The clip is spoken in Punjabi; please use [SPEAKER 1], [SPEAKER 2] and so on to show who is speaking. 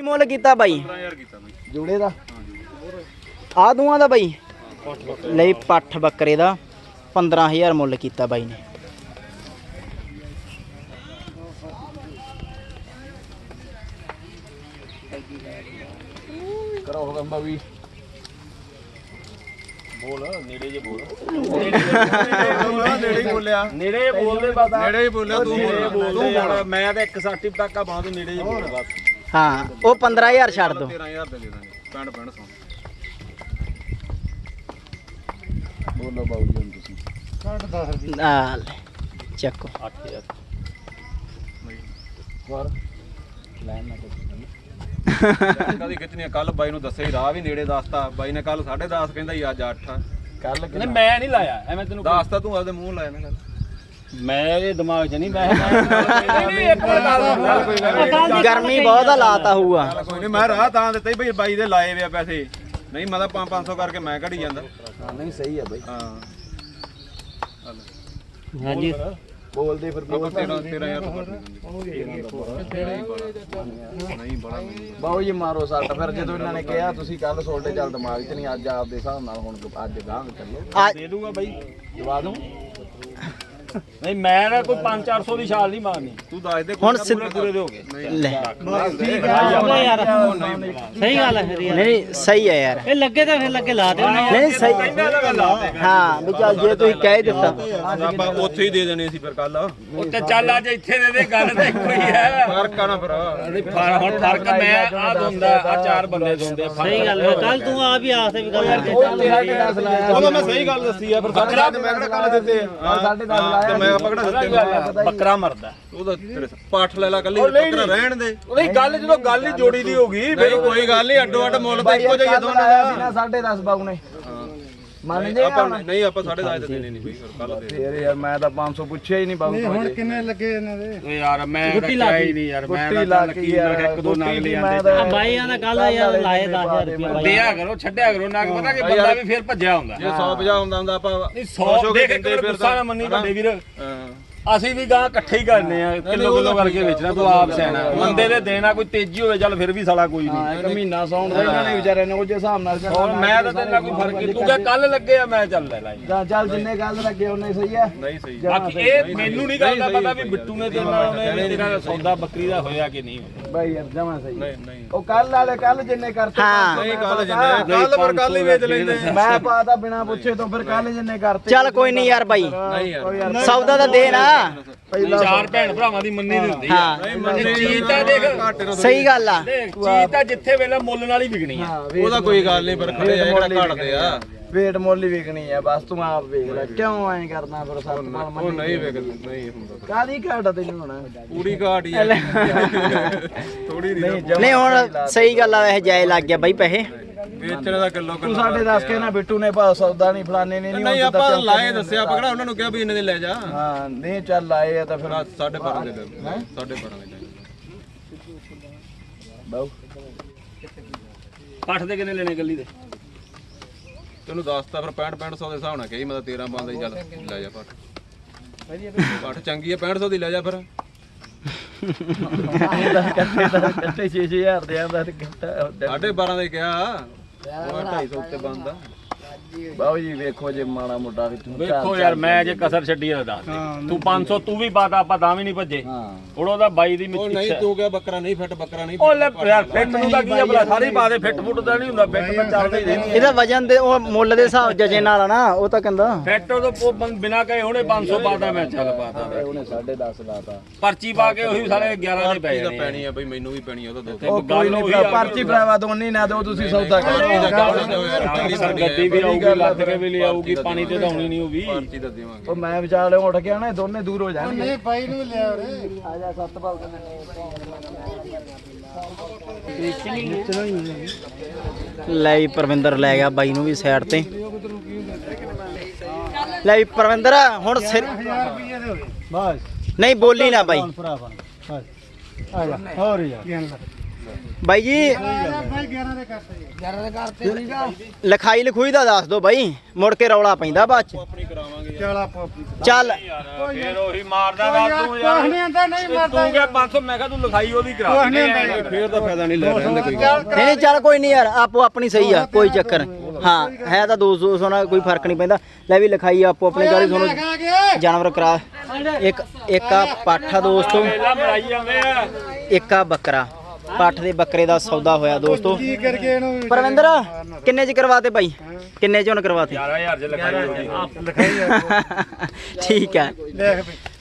[SPEAKER 1] ਮੁੱਲ ਕੀਤਾ ਬਾਈ
[SPEAKER 2] 15000 ਕੀਤਾ ਬਾਈ
[SPEAKER 1] ਜੋੜੇ ਦਾ ਆ ਦੋਵਾਂ ਦਾ ਬਾਈ ਲਈ ਪੱਠ ਬੱਕਰੇ ਦਾ 15000 ਮੁੱਲ ਕੀਤਾ ਬਾਈ ਨੇ।
[SPEAKER 2] ਕਰੋ ਹੁਕਮ ਵੀ ਬੋਲ ਨੇੜੇ ਜੇ ਬੋਲ ਨੇੜੇ ਹੀ ਬੋਲਿਆ ਨੇੜੇ ਬੋਲਦੇ ਬਸ ਨੇੜੇ ਹੀ ਬੋਲਿਆ ਤੂੰ ਬੋਲ ਮੈਂ ਤਾਂ 160 ਤੱਕ ਆ ਬਾਅਦ ਨੇੜੇ ਹੀ ਬੋਲ ਬਸ
[SPEAKER 1] ਹਾਂ ਉਹ 15000 ਛੱਡ ਦੋ
[SPEAKER 2] 13000 ਦੇ ਦੇ ਦਾਂਗੇ 65 ਸੌ ਬੋਲੋ ਬਾਊ ਜੀ ਹੁਣ ਤੁਸੀਂ
[SPEAKER 3] 10
[SPEAKER 1] ਆ ਲੈ ਚੱਕੋ
[SPEAKER 2] 8000
[SPEAKER 1] ਹੋਰ ਲੈਣ ਨਾ
[SPEAKER 2] ਕਦੀ ਕਿਤਨੀ ਕੱਲ ਬਾਈ ਨੂੰ ਦੱਸਿਆ ਹੀ ਰਾਹ ਵੀ ਨੇੜੇ ਦੱਸਤਾ ਬਾਈ ਨੇ ਕੱਲ 10:30 ਕਹਿੰਦਾ ਹੀ ਅੱਜ 8 ਕੱਲ
[SPEAKER 4] ਨਹੀਂ ਮੈਂ ਨਹੀਂ ਲਾਇਆ ਐਵੇਂ ਤੈਨੂੰ
[SPEAKER 2] ਦੱਸਤਾ ਤੂੰ ਆਪਦੇ ਮੂੰਹ ਲਾਇਆ ਨਾ ਗੱਲ
[SPEAKER 4] ਮੈਂ ਇਹ ਦਿਮਾਗ 'ਚ ਨਹੀਂ ਨਹੀਂ ਇੱਕ ਮਿੰਟ
[SPEAKER 1] ਗਰਮੀ ਬਹੁਤ ਆ ਲਾਤਾ ਹੋਊਗਾ
[SPEAKER 2] ਕੋਈ ਨਹੀਂ ਮੈਂ ਰਾਹ ਤਾਂ ਦਿੱਤਾ ਹੀ ਬਈ ਬਾਈ ਦੇ ਲਾਏ ਵੇ ਆ ਪੈਸੇ ਨਹੀਂ ਮੈਂ ਤਾਂ 500 ਕਰਕੇ ਮੈਂ ਘੜੀ ਜਾਂਦਾ
[SPEAKER 1] ਨਹੀਂ ਸਹੀ ਆ ਬਾਈ
[SPEAKER 2] ਹਾਂ
[SPEAKER 4] ਹਾਂਜੀ
[SPEAKER 1] ਬੋਲਦੇ ਫਿਰ
[SPEAKER 2] ਆਪਾਂ 13000 ਨਹੀਂ ਬੜਾ
[SPEAKER 1] ਬਾਊ ਜੀ ਮਾਰੋ ਸੱਟ ਫਿਰ ਜਦੋਂ ਇਹਨਾਂ ਨੇ ਕਿਹਾ ਤੁਸੀਂ ਕੱਲ ਸੋਲਡੇ ਚੱਲ ਦਿਮਾਗ 'ਚ ਨਹੀਂ ਅੱਜ ਆਪਦੇ ਹਿਸਾਬ ਨਾਲ ਹੁਣ ਅੱਜ ਗਾਂਹ ਚੱਲੋ
[SPEAKER 4] ਦੇ ਦੂੰਗਾ ਬਾਈ
[SPEAKER 1] ਦਵਾ ਦੂੰ
[SPEAKER 4] ਨਹੀਂ ਮੈਂ ਨਾ ਕੋਈ 5-400 ਦੀ ਛਾਲ ਨਹੀਂ ਮਾਰਨੀ
[SPEAKER 2] ਤੂੰ ਦੱਸ ਦੇ
[SPEAKER 1] ਹੁਣ
[SPEAKER 4] ਪੂਰੇ ਦੇ ਹੋ ਗਏ
[SPEAKER 1] ਲੈ
[SPEAKER 3] ਯਾਰ ਸਹੀ ਗੱਲ ਹੈ ਫਿਰ
[SPEAKER 1] ਨਹੀਂ ਸਹੀ ਹੈ ਯਾਰ
[SPEAKER 3] ਇਹ ਲੱਗੇ ਤਾਂ ਫਿਰ ਲੱਗੇ ਲਾ ਦੇ
[SPEAKER 1] ਨਹੀਂ ਸਹੀ ਹਾਂ ਵੀ ਚੱਲ ਜੇ ਤੁਸੀਂ ਕਹਿ ਦਿੱਤਾ
[SPEAKER 2] ਆਪਾਂ ਉੱਥੇ ਹੀ ਦੇ ਦੇਣੇ ਸੀ ਫਿਰ ਕੱਲ
[SPEAKER 4] ਉੱਤੇ ਚੱਲ ਅੱਜ ਇੱਥੇ ਦੇ ਦੇ ਗੱਲ ਤਾਂ ਇੱਕੋ ਹੀ ਹੈ
[SPEAKER 2] ਫਰਕ ਆ ਨਾ ਫਿਰ
[SPEAKER 4] ਹੁਣ ਫਰਕ ਮੈਂ ਆ ਦੋਂਦਾ ਆ 4 ਬੰਦੇ ਦੋਂਦੇ
[SPEAKER 3] ਸਹੀ ਗੱਲ ਹੈ ਕੱਲ ਤੂੰ ਆਪ ਹੀ ਆਖਦੇ ਵੀ ਗੱਲ ਕਰਕੇ
[SPEAKER 2] ਉਹ ਮੈਂ ਸਹੀ ਗੱਲ ਦੱਸੀ ਆ ਫਿਰ ਬੱਕਰਾ ਤੇ ਮੈਂ ਕਿਹੜਾ ਕੱਲ ਦਿੱਤੇ ਹਾਂ 10:30 ਤੇ ਮੈਂ ਆਪਾਂ ਕਿਹੜਾ ਦਿੱਤੇ
[SPEAKER 4] ਬੱਕਰਾ ਮਰਦਾ
[SPEAKER 2] ਉਹਦਾ ਤੇਰੇ ਪਾਠ ਲੈ ਲਾ ਕੱਲੀ ਬੱਕਰਾ ਰਹਿਣ ਦੇ
[SPEAKER 4] ਉਹਦੀ ਗੱਲ ਜਦੋਂ ਗੱਲ ਹੀ ਜੋੜੀ ਦੀ ਹੋ ਗਈ
[SPEAKER 2] ਨਹੀਂ ਕੋਈ ਗੱਲ ਨਹੀਂ ਅੱਡੋ ਅੱਡ ਮੁੱਲ ਤਾਂ ਇੱਕੋ ਜਿਹਾ ਦੋਨਾਂ ਦਾ
[SPEAKER 1] 10:30 ਬਾਊ ਨੇ ਮੰਨ ਜੇ
[SPEAKER 2] ਆਪਾਂ ਨਹੀਂ ਆਪਾਂ 10:30 ਤੇ ਦੇਣੇ ਨਹੀਂ ਬਈ ਫਿਰ ਕੱਲ ਦੇ
[SPEAKER 1] ਫੇਰ ਯਾਰ ਮੈਂ ਤਾਂ 500 ਪੁੱਛਿਆ ਹੀ ਨਹੀਂ ਬਾਊ
[SPEAKER 3] ਹੁਣ ਕਿੰਨੇ ਲੱਗੇ ਇਹਨਾਂ ਦੇ
[SPEAKER 4] ਓਏ ਯਾਰ ਮੈਂ ਰੱਖਿਆ ਹੀ ਨਹੀਂ ਯਾਰ ਮੈਂ
[SPEAKER 1] ਗੁੱਟੀ ਲਾ ਕੇ ਯਾਰ
[SPEAKER 4] ਇੱਕ ਦੋ ਨਾਗ ਲੈ ਆਂਦੇ
[SPEAKER 3] ਆ ਬਾਈਆਂ ਦਾ ਕੱਲ ਯਾਰ ਲਾਏ 10000 ਰੁਪਏ ਬਾਈ
[SPEAKER 4] ਦਿਆ ਕਰੋ ਛੱਡਿਆ ਕਰੋ ਨਾਗ ਪਤਾ ਕਿ ਬੰਦਾ ਵੀ ਫੇਰ ਭੱਜਿਆ ਹੁੰਦਾ
[SPEAKER 2] ਜੇ 150 ਹੁੰਦਾ ਹੁੰਦਾ ਆਪਾਂ
[SPEAKER 4] ਨਹੀਂ 100 ਦੇਖ ਇੱਕ ਗੁੱਸਾ ਨਾ ਮੰਨੀ ਵੱਡੇ ਵੀਰ ਅਸੀਂ ਵੀ ਗਾਂ ਇਕੱਠੇ ਹੀ ਕਰਨੇ ਆ ਕਿਲੋ ਕਰਕੇ ਵੇਚਣਾ ਤੂੰ ਆਪ ਸਿਆਣਾ ਬੰਦੇ ਦੇ ਦੇਣਾ ਕੋਈ ਤੇਜ਼ੀ ਹੋਵੇ ਚੱਲ ਫਿਰ ਵੀ ਸਾਲਾ ਕੋਈ ਨਹੀਂ
[SPEAKER 1] ਇੱਕ ਮਹੀਨਾ ਸੌਣ ਦਾ ਇਹਨਾਂ ਨੇ ਵਿਚਾਰਿਆਂ ਨੇ ਉਹ ਜੇ ਹਿਸਾਬ ਨਾਲ
[SPEAKER 4] ਹੋਰ ਮੈਂ ਤਾਂ ਤੇਰੇ ਨਾਲ ਕੋਈ ਫਰਕ ਨਹੀਂ ਤੂੰ ਕਿ ਕੱਲ ਲੱਗੇ ਆ ਮੈਂ ਚੱਲ ਲੈ ਲਾਈ
[SPEAKER 1] ਚੱਲ ਜਿੰਨੇ ਗੱਲ ਲੱਗੇ ਉਹਨੇ ਸਹੀ ਆ
[SPEAKER 2] ਨਹੀਂ ਸਹੀ
[SPEAKER 4] ਬਾਕੀ ਇਹ ਮੈਨੂੰ ਨਹੀਂ ਗੱਲ ਦਾ ਪਤਾ ਵੀ ਬਿੱਟੂ ਨੇ ਤੇਰੇ ਨਾਲ ਉਹਨੇ ਤੇਰਾ ਸੌਦਾ ਬੱਕਰੀ ਦਾ ਹੋਇਆ ਕਿ ਨਹੀਂ ਹੋਇਆ
[SPEAKER 1] ਬਾਈ ਯਾਰ ਜਮਾ ਸਹੀ
[SPEAKER 2] ਨਹੀਂ
[SPEAKER 1] ਉਹ ਕੱਲ ਵਾਲੇ ਕੱਲ ਜਿੰਨੇ ਕਰਤੇ
[SPEAKER 2] ਨਹੀਂ ਕੱਲ ਜਿੰਨੇ ਕੱਲ ਪਰ ਕੱਲ ਹੀ ਵੇਚ ਲੈਂਦੇ
[SPEAKER 1] ਮੈਂ ਪਾਤਾ ਬਿਨਾ ਪੁੱਛੇ ਤੋਂ ਫਿਰ ਕੱਲ ਜਿੰਨੇ ਕਰਤੇ
[SPEAKER 5] ਚੱਲ ਕੋਈ ਨਹੀਂ ਯਾਰ ਬਾਈ
[SPEAKER 2] ਨਹੀਂ ਯਾਰ
[SPEAKER 5] ਸੌਦਾ ਤਾਂ ਦੇ ਨਾ
[SPEAKER 4] ਚਾਰ ਭੈਣ ਭਰਾਵਾਂ ਦੀ ਮੰਨੀ ਦੀ ਹੁੰਦੀ
[SPEAKER 5] ਹਾਂ
[SPEAKER 4] ਆ ਚੀਜ਼ ਤਾਂ ਦੇਖ
[SPEAKER 5] ਸਹੀ ਗੱਲ ਆ
[SPEAKER 4] ਦੇਖ ਚੀਜ਼ ਤਾਂ ਜਿੱਥੇ ਵੇਲੇ ਮੁੱਲ ਨਾਲ ਹੀ ਵਿਕਣੀ ਆ
[SPEAKER 2] ਉਹਦਾ ਕੋਈ ਗੱਲ ਨਹੀਂ ਪਰ ਖੜੇ ਆ ਜਿਹੜਾ ਘਟਦੇ ਆ
[SPEAKER 1] ਵੇਟ ਮੁੱਲ ਹੀ ਵਿਕਣੀ ਆ ਬਸ ਤੂੰ ਆਪ ਵੇਖ ਲੈ ਕਿਉਂ ਐਂ ਕਰਦਾ ਫਿਰ ਸੱਤ ਮਾਲ
[SPEAKER 2] ਉਹ ਨਹੀਂ ਵੇਖ ਨਹੀਂ ਹੁੰਦਾ
[SPEAKER 1] ਕਾਦੀ ਘਾਟ ਤੈਨੂੰ ਹੁਣ
[SPEAKER 2] ਪੂਰੀ ਘਾਟ ਹੀ ਆ ਥੋੜੀ ਨਹੀਂ
[SPEAKER 5] ਨਹੀਂ ਹੁਣ ਸਹੀ ਗੱਲ ਆ ਵੈਸੇ ਜਾਏ ਲੱਗ ਗਿਆ ਬਾਈ ਪੈਸੇ
[SPEAKER 2] ਵੇਚਣ ਦਾ ਕਿਲੋ
[SPEAKER 1] ਤੂੰ ਸਾਡੇ ਦੱਸ ਕੇ ਨਾ ਬਿੱਟੂ ਨੇ ਭਾ ਸੌਦਾ ਨਹੀਂ ਫਲਾਣੇ ਨੇ
[SPEAKER 2] ਨਹੀਂ ਆਪਾਂ ਲਾਏ ਦੱਸਿਆ ਆਪਾਂ ਕਿਹੜਾ ਉਹਨਾਂ ਨੂੰ ਕਿਹਾ ਵੀ ਇੰਨੇ ਦੇ ਲੈ ਜਾ
[SPEAKER 1] ਹਾਂ ਨਹੀਂ ਚੱਲ ਆਏ ਆ ਤਾਂ ਫਿਰ
[SPEAKER 2] 12.5 ਦੇ ਲੈ 12.5 ਦੇ
[SPEAKER 1] ਬਾਉ
[SPEAKER 4] ਪੱਠ ਦੇ ਕਿੰਨੇ ਲੈਣੇ ਗੱਲੀ ਦੇ
[SPEAKER 2] ਤੈਨੂੰ ਦੱਸਤਾ ਫਿਰ 6500 ਦੇ ਹਿਸਾਬ ਨਾਲ ਕਹੀ ਮੈਂ ਤਾਂ 13 ਪਾਉਂਦਾ ਹੀ ਚੱਲ ਲੈ ਜਾ ਪੱਠ ਚੰਗੀ ਆ 6500 ਦੀ ਲੈ ਜਾ ਫਿਰ
[SPEAKER 1] ਕੱਟੇ 6000 ਦੇ ਆਂਦਾ ਕੱਟਾ
[SPEAKER 2] 12.5 ਦੇ ਕਿਹਾ ਉਹ 250 ਉੱਤੇ ਬੰਦਾ
[SPEAKER 1] ਬਾਉ ਜੀ ਵੇਖੋ ਜੇ ਮਾੜਾ ਮੋਟਾ
[SPEAKER 4] ਵੇਖੋ ਯਾਰ ਮੈਂ ਜੇ ਕਸਰ ਛੱਡੀ ਆ ਦੱਸ ਤੂੰ 500 ਤੂੰ ਵੀ ਪਾਤਾ ਆਪਾਂ ਤਾਂ ਵੀ ਨਹੀਂ ਭੱਜੇ ਹੁਣ ਉਹਦਾ ਬਾਈ ਦੀ
[SPEAKER 2] ਉਹ ਨਹੀਂ ਤੂੰ ਕਿਹਾ ਬੱਕਰਾ ਨਹੀਂ ਫਿੱਟ ਬੱਕਰਾ ਨਹੀਂ
[SPEAKER 4] ਉਹ ਲੈ ਯਾਰ ਫਿੱਟ ਨੂੰ ਤਾਂ ਕੀ ਆ ਭਲਾ ਸਾਰੇ ਪਾ ਦੇ ਫਿੱਟ ਫੁੱਟ ਦਾ ਨਹੀਂ ਹੁੰਦਾ ਫਿੱਟ ਤਾਂ ਚੱਲਦਾ ਹੀ ਰਹਿੰਦੀ
[SPEAKER 5] ਇਹਦਾ ਵਜਨ ਦੇ ਉਹ ਮੁੱਲ ਦੇ ਹਿਸਾਬ ਜਜੇ ਨਾਲ ਨਾ ਉਹ ਤਾਂ ਕਹਿੰਦਾ
[SPEAKER 4] ਫਿੱਟ ਉਹ ਬਿਨਾ ਕਹੇ ਹੁਣੇ 500 ਪਾਤਾ ਮੈਂ ਚੱਲ ਪਾਤਾ
[SPEAKER 1] ਉਹਨੇ 10.5 ਲਾਤਾ
[SPEAKER 4] ਪਰਚੀ ਪਾ ਕੇ ਉਹੀ ਸਾਰੇ 11 ਦੇ ਪੈ
[SPEAKER 2] ਤਾਂ
[SPEAKER 4] ਜਾਣੇ
[SPEAKER 2] ਪੈਣੀ ਆ ਬਈ ਮੈਨੂੰ ਵੀ ਪੈਣੀ ਆ ਉਹਦਾ ਦੋ
[SPEAKER 1] ਉਹ ਕੋਈ ਨਹੀਂ ਪਰਚੀ ਭਰਾਵਾ ਦੋਨੀ ਨਾ ਦਿਓ ਤੁਸੀਂ ਸੌਦਾ ਕਰੋ
[SPEAKER 4] ਗੱਡੀ ਵੀ ਆਊਗੀ ਲੱਦ ਕੇ ਵੀ ਲਿਆਊਗੀ ਪਾਣੀ ਤੇ ਧਾਉਣੀ ਨਹੀਂ ਹੋਊਗੀ
[SPEAKER 2] ਪਰਚੀ ਤਾਂ ਦੇਵਾਂਗੇ
[SPEAKER 1] ਉਹ ਮੈਂ ਵਿਚਾਲੇ ਉੱਠ ਕੇ ਆਣਾ ਦੋਨੇ ਦੂਰ ਹੋ ਜਾਣਗੇ
[SPEAKER 3] ਨਹੀਂ ਬਾਈ ਨੂੰ ਲਿਆ ਉਰੇ
[SPEAKER 1] ਆ ਜਾ ਸੱਤਪਾਲ
[SPEAKER 5] ਲੈ ਵੀ ਪਰਵਿੰਦਰ ਲੈ ਗਿਆ ਬਾਈ ਨੂੰ ਵੀ ਸਾਈਡ ਤੇ ਲੈ ਵੀ ਪਰਵਿੰਦਰ ਹੁਣ ਸਿਰ
[SPEAKER 3] 1000 ਰੁਪਏ ਦੇ ਹੋ ਗਏ
[SPEAKER 5] ਨਹੀਂ ਬੋਲੀ ਨਾ ਬਾਈ
[SPEAKER 3] ਭਰਾ ਬਸ ਆ ਜਾ ਹੋਰ ਯਾਰ
[SPEAKER 1] ਬਾਈ ਜੀ ਲਿਖਾਈ ਲਿਖੂਈ ਦਾ ਦੱਸ ਦੋ ਬਾਈ, ਮੁੜ ਕੇ ਰੌਲਾ ਪੈਂਦਾ ਬਾਅਦ ਚ। ਚੱਲ
[SPEAKER 4] ਫੇਰ ਉਹੀ ਮਾਰਦਾ ਵਾ ਤੂੰ ਯਾਰ ਤੂੰ ਕਿਹਾ 500 ਮੈਂ ਕਿਹਾ ਤੂੰ ਲਿਖਾਈ ਉਹਦੀ ਕਰਾ ਦੇ
[SPEAKER 2] ਫੇਰ ਤਾਂ ਫਾਇਦਾ ਨਹੀਂ ਲੈ ਰਹਿਣ ਦੇ ਕੋਈ
[SPEAKER 1] ਨਹੀਂ ਨਹੀਂ ਚੱਲ ਕੋਈ ਨਹੀਂ ਯਾਰ, ਆਪੋ ਆਪਣੀ ਸਹੀ ਆ, ਕੋਈ ਚੱਕਰ ਹਾਂ ਹੈ ਤਾਂ 200 ਨਾਲ ਕੋਈ ਫਰਕ ਨਹੀਂ ਪੈਂਦਾ। ਲੈ ਵੀ ਲਿਖਾਈ ਆਪੋ ਆਪਣੀ ਕਰੀ, ਤੁਹਾਨੂੰ ਜਾਨਵਰ ਕਰਾ ਇੱਕ ਆ ਪੱਠ ਆ ਦੋਸਤੋ,
[SPEAKER 4] ਮੇਲਾ ਮਰਾਈ ਜਾਂਦੇ ਆ।
[SPEAKER 1] ਇੱਕ ਆ ਬੱਕਰਾ। ਪੱਠ ਦੇ ਬੱਕਰੇ ਦਾ ਸੌਦਾ ਹੋਇਆ ਦੋਸਤੋ। ਪਰਵਿੰਦਰ ਕਿੰਨੇ ਚ ਕਰਵਾਤੇ ਬਾਈ, ਕਿੰਨੇ ਚ ਹੁਣ ਕਰਵਾਤੇ?
[SPEAKER 4] 11000 ਚ ਲਿਖਾਈ ਉਹਦੀ।
[SPEAKER 1] ਠੀਕ ਹੈ।